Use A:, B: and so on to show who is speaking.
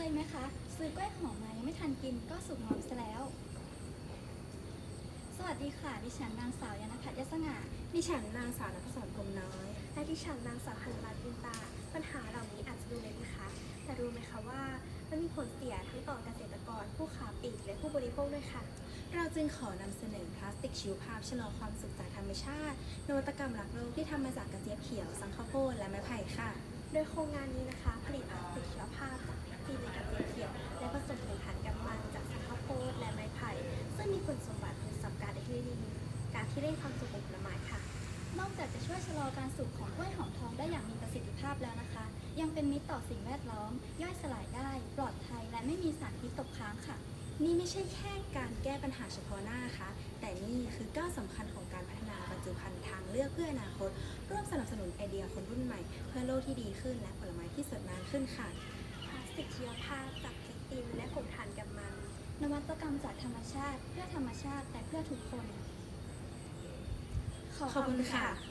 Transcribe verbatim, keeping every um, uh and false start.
A: ไหมคะซื้อกล้วยหอมมายังไม่ทันกินก็สุกงอมซะแล้วสวัสดีค่ะดิฉันนางสาวยานภัทรยศง่า
B: ดิฉันนางสาวนภศรพรหมน้อย
C: และดิฉันนางสาวหันรัตน์อินตาปัญหาเหล่านี้อาจจะดูเล็กนะคะ แต่รู้ไหมคะว่ามันมีผลเสียทั้งต่อเกษตรกรผู้ค้าปลีกและผู้บริโภคด้วยค่ะ
B: เราจึงขอนำเสนอพลาสติกชีวภาพชะลอความสุขจากธรรมชาตินวัตกรรมรักโลกที่ทำมาจากกระเจี๊ยบเขียวสังข้าวโพดและไม้ไผ่ค่ะ
C: โดยโครงงานนี้นะคะ ผลิตพลาสติกชีวภาพจากพลาสติกในกระเจี๊ยบเขียวและผสมเป็นถ่านกำมันจากสังข้าวโพดและไม้ไผ่ซึ่งมีคุณสมบัติเป็นสับการได้ที่ดีการที่เร่งความสุขของผลไม้ค่ะ
A: นอกจากจะช่วยชะลอการสุกของกล้วยหอมทองได้อย่างมีประสิทธิภาพแล้วนะคะ ยังเป็นมิตรต่อสิ่งแวดล้อมย่อยสลายได้ปลอดภัยและไม่มีสารพิษตกค้างค่ะ
B: นี่ไม่ใช่แค่การแก้ปัญหาเฉพาะหน้านะคะแต่นี่คือก้าวสำคัญของการพัฒนาบรรจุภัณฑ์ทางเลือกเพื่ออนาคตร่วมสนับสนุนไอเดียคนรุ่นใหม่เพื่อโลกที่ดีขึ้นและผลไม้ที่สดน้ำขึ้นค่ะ
C: พลาสติกชีวภาพจากเพกตินและผงถ่านกำมัน
A: นวัตกรรมจากธรรมชาติเพื่อธรรมชาติแต่เพื่อทุกคน
B: ขอบคุณค่ะ